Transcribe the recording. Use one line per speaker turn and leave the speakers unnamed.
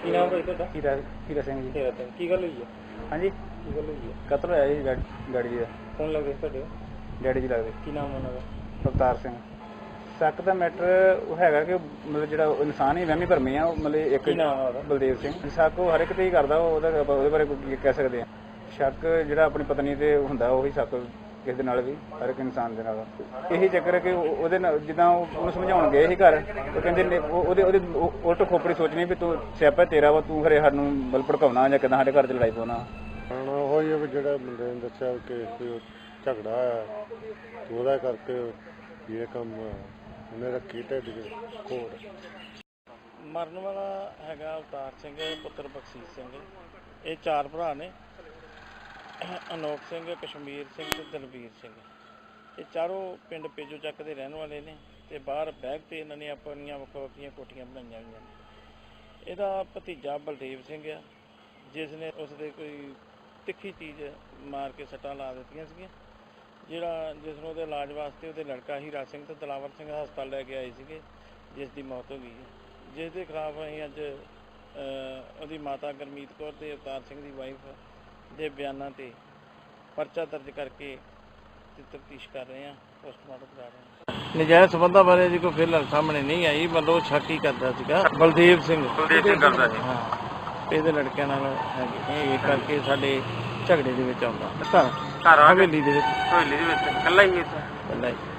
ਕੀ ਨਾਮ ਹੈ ਤੁਹਾਡਾ?
ਹੀਰਾ ਸਿੰਘ ਜੀ।
ਹੀਰਾ ਸਿੰਘ, ਕੀ ਗੱਲ ਹੋਈ ਹੈ?
ਹਾਂਜੀ,
ਕੀ ਗੱਲ ਹੋਈ ਹੈ?
ਕਤਲ ਹੋਇਆ ਜੀ ਡੈਡੀ ਜੀ ਦਾ।
ਕੌਣ ਲੱਗਦੇ ਤੁਹਾਡੇ?
ਡੈਡੀ ਜੀ ਲੱਗਦੇ
ਕੀ ਨਾਮ ਉਹਨਾਂ ਦਾ?
ਅਵਤਾਰ ਸਿੰਘ। ਸ਼ੱਕ ਦਾ ਮੈਟਰ ਉਹ ਹੈਗਾ ਕਿ ਮਤਲਬ ਜਿਹੜਾ ਇਨਸਾਨ ਹੀ ਵਹਿਮੀ ਭਰਮੀ ਆ, ਉਹ ਮਤਲਬ ਇੱਕ
ਕੀ ਨਾਮ ਆ ਉਹਦਾ?
ਬਲਦੇਵ ਸਿੰਘ। ਸ਼ੱਕ ਉਹ ਹਰ ਇੱਕ ਤੇ ਹੀ ਕਰਦਾ, ਉਹਦੇ ਬਾਰੇ ਕੀ ਕਹਿ ਸਕਦੇ ਆ। ਸ਼ੱਕ ਜਿਹੜਾ ਆਪਣੀ ਪਤਨੀ ਤੇ ਹੁੰਦਾ, ਉਹੀ ਸ਼ੱਕ ਕਿਸੇ ਦੇ ਨਾਲ ਵੀ, ਹਰ ਇੱਕ ਇਨਸਾਨ ਦੇ ਨਾਲ। ਇਹੀ ਚੱਕਰ ਹੈ ਕਿ ਉਹਦੇ ਨਾਲ ਜਿੱਦਾਂ ਉਹਨੂੰ ਸਮਝਾਉਣ ਗਏ ਸੀ ਘਰ, ਉਹ ਕਹਿੰਦੇ ਉਹਦੇ ਉਲਟ ਖੋਪੜੀ ਸੋਚਣੀ ਵੀ ਤੂੰ ਸਿਆਪਾ ਤੇਰਾ ਵਾ, ਤੂੰ ਖਰੇ ਸਾਨੂੰ ਬਲ ਭੜਕਾਉਣਾ ਜਾਂ ਕਿੱਦਾਂ ਸਾਡੇ ਘਰ 'ਚ ਲੜਾਈ ਪਾਉਣਾ।
ਹੁਣ ਉਹ ਹੀ ਵੀ ਜਿਹੜਾ ਮੁੰਡੇ ਨੇ ਦੱਸਿਆ ਕਿ ਕੋਈ ਝਗੜਾ ਆ, ਉਹਦਾ ਕਰਕੇ ਇਹ ਕੰਮ ਉਹਨੇ ਰੱਖੀ ਢਿੱਡ 'ਚ ਘੋੜ।
ਮਰਨ ਵਾਲਾ ਹੈਗਾ ਅਵਤਾਰ ਸਿੰਘ ਪੁੱਤਰ ਬਖਸ਼ੀਸ਼ ਸਿੰਘ। ਇਹ 4 ਭਰਾ ਨੇ, ਅਨੋਖ ਸਿੰਘ, ਕਸ਼ਮੀਰ ਸਿੰਘ ਤੇ ਦਲਵੀਰ ਸਿੰਘ। ਇਹ ਚਾਰੋਂ ਪਿੰਡ ਪੇਜੋ ਚੱਕ ਦੇ ਰਹਿਣ ਵਾਲੇ ਨੇ ਤੇ ਬਾਹਰ ਬੈਗ ਤੇ ਇਹਨਾਂ ਨੇ ਆਪਣੀਆਂ ਵੱਖੋ ਵੱਖਰੀਆਂ ਕੋਠੀਆਂ ਬਣਾਈਆਂ ਹੋਈਆਂ ਨੇ। ਇਹਦਾ ਭਤੀਜਾ ਬਲਦੇਵ ਸਿੰਘ ਆ, ਜਿਸ ਨੇ ਉਸਦੇ ਕੋਈ ਤਿੱਖੀ ਚੀਜ਼ ਮਾਰ ਕੇ ਸੱਟਾਂ ਲਾ ਦਿੱਤੀਆਂ ਸੀਗੀਆਂ, ਜਿਸ ਨੂੰ ਉਹਦੇ ਇਲਾਜ ਵਾਸਤੇ ਉਹਦੇ ਲੜਕਾ ਹੀਰਾ ਸਿੰਘ ਤੇ ਦਲਾਵਰ ਸਿੰਘ ਹਸਪਤਾਲ ਲੈ ਕੇ ਆਏ ਸੀਗੇ, ਜਿਸ ਦੀ ਮੌਤ ਹੋ ਗਈ ਹੈ। ਜਿਸ ਦੇ ਖਿਲਾਫ ਅਸੀਂ ਅੱਜ ਉਹਦੀ ਮਾਤਾ ਗੁਰਮੀਤ ਕੌਰ ਤੇ ਅਵਤਾਰ ਸਿੰਘ ਦੀ ਵਾਈਫ ਦੇ ਬਿਆਨਾਂ ਤੇ ਪਰਚਾ ਦਰਜ ਕਰਕੇ ਤਫਤੀਸ਼ ਕਰ ਰਹੇ ਹਾਂ, ਪੋਸਟਮਾਰਟਮ ਕਰਾ ਰਹੇ ਹਾਂ। ਨਜਾਇਜ਼ ਸਬੰਧਾਂ ਬਾਰੇ ਜੀ ਕੋਈ ਫਿਲਹਾਲ ਸਾਹਮਣੇ ਨਹੀਂ ਆਈ, ਮਤਲਬ ਉਹ ਸ਼ੱਕ ਹੀ ਕਰਦਾ ਸੀਗਾ। ਬਲਦੇਵ ਸਿੰਘ ਕਰਦਾ ਸੀ, ਹਾਂ, ਇਹਦੇ ਲੜਕਿਆਂ ਨਾਲ ਹੈਗੇ, ਇਹ ਕਰਕੇ ਸਾਡੇ ਝਗੜੇ ਦੇ ਵਿੱਚ ਆਉਂਦਾ। ਘਰ ਹਵੇਲੀ ਦੇ ਵਿੱਚ ਇਕੱਲਾ ਹੀ